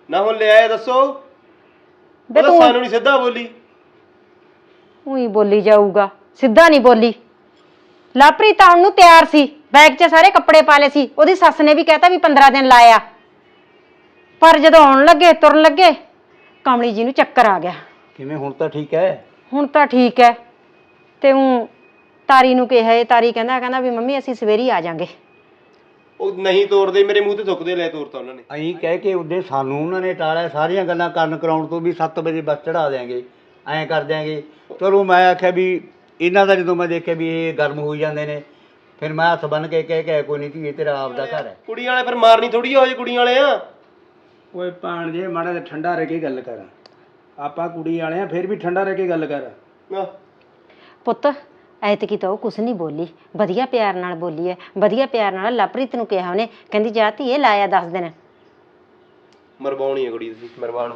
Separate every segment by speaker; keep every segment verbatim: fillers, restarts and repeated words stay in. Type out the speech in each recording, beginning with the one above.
Speaker 1: ਨਾ ਹੁਣ ਲਿਆਏ ਦੱਸੋ
Speaker 2: ਬੇ
Speaker 1: ਉਹ
Speaker 2: ਤੂੰ
Speaker 1: ਸਾਨੂੰ ਨਹੀਂ ਸਿੱਧਾ ਬੋਲੀ
Speaker 2: ਉਹੀ ਬੋਲੀ ਜਾਊਗਾ, ਸਿੱਧਾ ਨਹੀਂ ਬੋਲੀ। ਲਾਪ੍ਰੀਤ ਆਉਣ ਨੂੰ ਤਿਆਰ ਸੀ, ਬੈਗ 'ਚ ਸਾਰੇ ਕੱਪੜੇ ਪਾ ਲਏ ਸੀ। ਉਹਦੀ ਸੱਸ ਨੇ ਵੀ ਕਹਿਤਾ ਵੀ ਪੰਦਰਾਂ ਦਿਨ ਲਾਇਆ, ਪਰ ਜਦੋਂ ਆਉਣ ਲੱਗੇ ਤੁਰਨ ਲੱਗੇ ਕਮਲੀ ਜੀ ਨੂੰ ਚੱਕਰ ਆ ਗਿਆ।
Speaker 3: ਕਿਵੇਂ ਹੁਣ ਤਾਂ ਠੀਕ ਹੈ?
Speaker 2: ਹੁਣ ਤਾਂ ਠੀਕ ਹੈ। ਤੇ ਉਹ ਤਾਰੀ ਨੂੰ ਕਿਹਾ ਏ, ਤਾਰੀ ਕਹਿੰਦਾ ਕਹਿੰਦਾ ਵੀ ਮੰਮੀ ਅਸੀਂ ਸਵੇਰੀ ਆ ਜਾਾਂਗੇ।
Speaker 1: ਉਹ ਨਹੀਂ ਤੋਰਦੇ, ਮੇਰੇ ਮੂੰਹ ਤੇ ਥੁੱਕਦੇ, ਲੈ ਤੋਰਤਾ ਉਹਨਾਂ ਨੇ।
Speaker 3: ਅਸੀਂ ਕਹਿ ਕੇ ਉਹਦੇ ਸਾਨੂੰ ਉਹਨਾਂ ਨੇ ਟਾਲਿਆ ਸਾਰੀਆਂ ਗੱਲਾਂ ਕਰਨ ਕਰਾਉਣ ਤੋਂ ਵੀ ਸੱਤ ਵਜੇ ਬੱਸ ਚੜਾ ਦਿਆਂਗੇ, ਐਂ ਕਰ ਦਿਆਂਗੇ। ਚਲੋ ਮੈਂ ਆਖਿਆ ਵੀ ਇਹਨਾਂ ਦਾ ਜਦੋਂ ਮੈਂ ਦੇਖਿਆ ਵੀ ਇਹ ਗਰਮ ਹੋਈ ਜਾਂਦੇ ਨੇ, ਫਿਰ ਮੈਂ ਹੱਥ ਬੰਨ੍ਹ ਕੇ ਕਹਿ ਕੇ ਕੋਈ ਨਹੀਂ ਧੀਏ ਤੇਰਾ ਆਪਦਾ ਘਰ ਹੈ।
Speaker 1: ਕੁੜੀਆਂ ਵਾਲੇ ਫਿਰ ਮਾਰਨੀ ਥੋੜੀ ਹੋ ਜੇ ਕੁੜੀਆਂ ਵਾਲੇ ਆ।
Speaker 4: ਓਏ ਭਾਣ ਜੇ ਮਾੜਾ ਜਿਹਾ ਠੰਡਾ ਰਹਿ ਕੇ ਗੱਲ ਕਰ, ਆਪਾਂ ਕੁੜੀ ਵਾਲੇ ਆ, ਫਿਰ ਵੀ ਠੰਡਾ ਰਹਿ ਕੇ ਗੱਲ ਕਰ।
Speaker 2: ਪੁੱਤ ਐਤਕੀ ਤਾਂ ਉਹ ਕੁਛ ਨਹੀਂ ਬੋਲੀ, ਵਧੀਆ ਪਿਆਰ ਨਾਲ ਬੋਲੀ ਹੈ, ਵਧੀਆ ਪਿਆਰ ਨਾਲ ਲਾਪ੍ਰੀਤ ਨੂੰ ਕਿਹਾ ਉਹਨੇ, ਕਹਿੰਦੀ ਜਾ ਧੀਏ ਲਾਇਆ ਦਸ ਦਿਨ।
Speaker 1: ਮਰਵਾਉਣੀ ਹੈ ਕੁੜੀ ਤੁਸੀਂ, ਮਰਵਾਉਣ।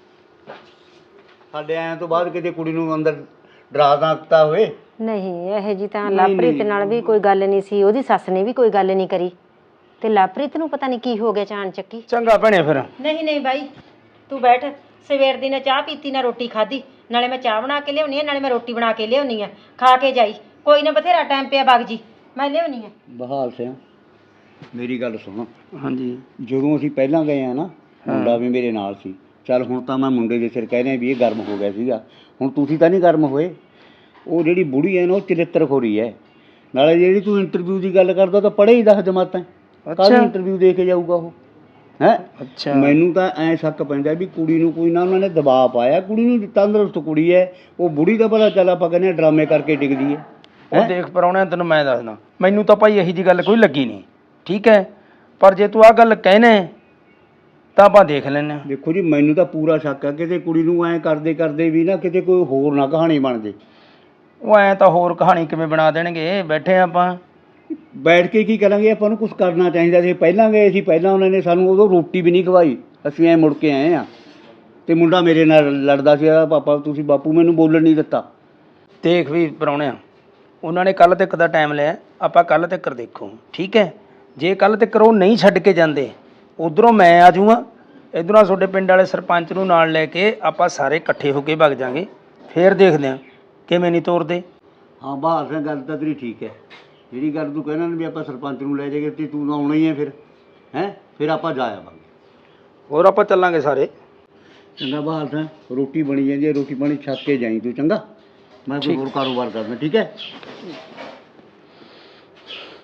Speaker 3: ਸਾਡੇ ਆਇਆਂ ਤੋਂ ਬਾਅਦ ਕਿਤੇ ਕੁੜੀ ਨੂੰ ਅੰਦਰ ਡਰਾ ਤਾਂ ਦਿੱਤਾ ਹੋਵੇ?
Speaker 2: ਨਹੀਂ ਇਹੋ ਜੀ ਤਾਂ ਲਾਪ੍ਰੀਤ ਨਾਲ ਵੀ ਕੋਈ ਗੱਲ ਨਹੀਂ ਸੀ, ਉਹਦੀ ਸੱਸ ਨੇ ਵੀ ਕੋਈ ਗੱਲ ਨਹੀਂ ਕਰੀ, ਤੇ ਲਾਪ੍ਰੀਤ ਨੂੰ ਪਤਾ ਨਹੀਂ ਕੀ ਹੋ ਗਿਆ ਚਾਣ ਚੱਕੀ।
Speaker 4: ਚੰਗਾ ਭੈਣੇ ਫਿਰ।
Speaker 2: ਨਹੀਂ ਨਹੀਂ ਬਾਈ ਤੂੰ ਬੈਠ, ਸਵੇਰ ਦੀ ਨਾ ਚਾਹ ਪੀਤੀ ਨਾ ਰੋਟੀ ਖਾਧੀ, ਨਾਲੇ ਮੈਂ ਚਾਹ ਬਣਾ ਕੇ ਲਿਆਉਣੀ ਆ ਨਾਲੇ ਮੈਂ ਰੋਟੀ ਬਣਾ ਕੇ ਲਿਆਉਣੀ ਆ, ਖਾ ਕੇ ਜਾਈ। ਕੋਈ ਨਾ ਬਥੇਰਾ ਟਾਈਮ ਪਿਆ ਬਾਗ ਜੀ, ਮੈਂ ਲਿਆਉਣੀ ਆ।
Speaker 3: ਬਹਾਲ ਸਿੰਘ ਮੇਰੀ ਗੱਲ ਸੁਣੋ।
Speaker 4: ਹਾਂਜੀ।
Speaker 3: ਜਦੋਂ ਅਸੀਂ ਪਹਿਲਾਂ ਗਏ ਆ ਨਾ, ਮੁੰਡਾ ਵੀ ਮੇਰੇ ਨਾਲ ਸੀ। ਚੱਲ ਹੁਣ ਤਾਂ ਮੈਂ ਮੁੰਡੇ ਦੇ ਸਿਰ ਕਹਿ ਰਿਹਾ ਵੀ ਇਹ ਗਰਮ ਹੋ ਗਿਆ ਸੀਗਾ, ਹੁਣ ਤੁਸੀਂ ਤਾਂ ਨਹੀਂ ਗਰਮ ਹੋਏ। ਉਹ ਜਿਹੜੀ ਬੁੜੀ ਹੈ ਨਾ ਉਹ ਚਰਿੱਤਰਖੋਰੀ ਹੈ। ਨਾਲੇ ਜਿਹੜੀ ਤੂੰ ਇੰਟਰਵਿਊ ਦੀ ਗੱਲ ਕਰਦਾ ਤਾਂ ਪੜ੍ਹੇ ਹੀ ਦਸ ਜਮਾਤਾਂ, ਕੱਲ੍ਹ ਇੰਟਰਵਿਊ ਦੇ ਕੇ ਜਾਊਗਾ ਉਹ ਹੈ।
Speaker 4: ਅੱਛਾ।
Speaker 3: ਮੈਨੂੰ ਤਾਂ ਐਂ ਸ਼ੱਕ ਪੈਂਦਾ ਵੀ ਕੁੜੀ ਨੂੰ ਕੋਈ ਨਾ ਉਹਨਾਂ ਨੇ ਦਬਾਅ ਪਾਇਆ। ਕੁੜੀ ਨੂੰ ਤੰਦਰੁਸਤ ਕੁੜੀ ਹੈ, ਉਹ ਬੁੜੀ ਦਾ ਭਲਾ ਚੱਲ ਆਪਾਂ ਕਹਿੰਦੇ ਡਰਾਮੇ ਕਰਕੇ ਡਿੱਗਦੀ ਹੈ।
Speaker 4: ਉਹ ਦੇਖ ਪਰਾਉਣਿਆ ਤੈਨੂੰ ਮੈਂ ਦੱਸਦਾ, ਮੈਨੂੰ ਤਾਂ ਭਾਈ ਇਹੀ ਜੀ ਗੱਲ ਕੋਈ ਲੱਗੀ ਨਹੀਂ, ਠੀਕ ਹੈ, ਪਰ ਜੇ ਤੂੰ ਆਹ ਗੱਲ ਕਹਿਣਾ ਤਾਂ ਆਪਾਂ ਦੇਖ ਲੈਂਦੇ ਹਾਂ।
Speaker 3: ਦੇਖੋ ਜੀ ਮੈਨੂੰ ਤਾਂ ਪੂਰਾ ਸ਼ੱਕ ਹੈ ਕਿਤੇ ਕੁੜੀ ਨੂੰ ਐਂ ਕਰਦੇ ਕਰਦੇ ਵੀ ਨਾ ਕਿਤੇ ਕੋਈ ਹੋਰ ਨਾ ਕਹਾਣੀ ਬਣ ਜੇ।
Speaker 4: ਉਹ ਐਂ ਤਾਂ ਹੋਰ ਕਹਾਣੀ ਕਿਵੇਂ ਬਣਾ ਦੇਣਗੇ, ਬੈਠੇ ਆਪਾਂ
Speaker 3: ਬੈਠ ਕੇ ਕੀ ਕਰਾਂਗੇ, ਆਪਾਂ ਨੂੰ ਕੁਝ ਕਰਨਾ ਚਾਹੀਦਾ ਸੀ। ਪਹਿਲਾਂ ਗਏ ਸੀ, ਪਹਿਲਾਂ ਉਹਨਾਂ ਨੇ ਸਾਨੂੰ ਉਦੋਂ ਰੋਟੀ ਵੀ ਨਹੀਂ ਖਵਾਈ, ਅਸੀਂ ਐਂ ਮੁੜ ਕੇ ਆਏ ਹਾਂ। ਅਤੇ ਮੁੰਡਾ ਮੇਰੇ ਨਾਲ ਲੜਦਾ ਸੀ, ਪਾਪਾ ਤੁਸੀਂ ਬਾਪੂ ਮੈਨੂੰ ਬੋਲਣ ਨਹੀਂ ਦਿੱਤਾ।
Speaker 4: ਦੇਖ ਵੀ ਪਰਾਉਣਿਆ, ਉਹਨਾਂ ਨੇ ਕੱਲ੍ਹ ਤੱਕ ਦਾ ਟਾਈਮ ਲਿਆ, ਆਪਾਂ ਕੱਲ੍ਹ ਤੱਕ ਦੇਖੋ, ਠੀਕ ਹੈ। ਜੇ ਕੱਲ੍ਹ ਤੱਕ ਉਹ ਨਹੀਂ ਛੱਡ ਕੇ ਜਾਂਦੇ, ਉੱਧਰੋਂ ਮੈਂ ਆ ਜਾਊਂਗਾ, ਇੱਧਰੋਂ ਤੁਹਾਡੇ ਪਿੰਡ ਵਾਲੇ ਸਰਪੰਚ ਨੂੰ ਨਾਲ ਲੈ ਕੇ ਆਪਾਂ ਸਾਰੇ ਇਕੱਠੇ ਹੋ ਕੇ ਵਗ ਜਾਵਾਂਗੇ, ਫਿਰ ਦੇਖਦੇ ਹਾਂ ਕਿਵੇਂ ਨਹੀਂ ਤੋਰਦੇ।
Speaker 3: ਹਾਂ ਬਹਾਲ ਸਿੰਘ ਗੱਲ ਤਾਂ ਤੇਰੀ ਠੀਕ ਹੈ। ਜਿਹੜੀ ਗੱਲ ਤੂੰ ਕਹਿਣਾ ਵੀ ਆਪਾਂ ਸਰਪੰਚ ਨੂੰ ਲੈ ਜਾਈਏ ਅਤੇ ਤੂੰ ਤਾਂ ਆਉਣਾ ਹੀ ਹੈ ਫਿਰ, ਹੈਂ ਫਿਰ ਆਪਾਂ ਜਾ ਆਵਾਂਗੇ।
Speaker 4: ਹੋਰ ਆਪਾਂ ਚੱਲਾਂਗੇ ਸਾਰੇ।
Speaker 3: ਚੰਗਾ ਬਹਾਲ ਸਿੰਘ, ਰੋਟੀ ਬਣੀ ਜਾਂਦੀ ਹੈ, ਰੋਟੀ ਪਾਣੀ ਛੱਕ ਕੇ ਜਾਈਂ ਤੂੰ, ਚੰਗਾ। ਮੈਂ ਕੋਈ ਹੋਰ ਕਾਰੋਬਾਰ ਕਰਨਾ, ਠੀਕ ਹੈ।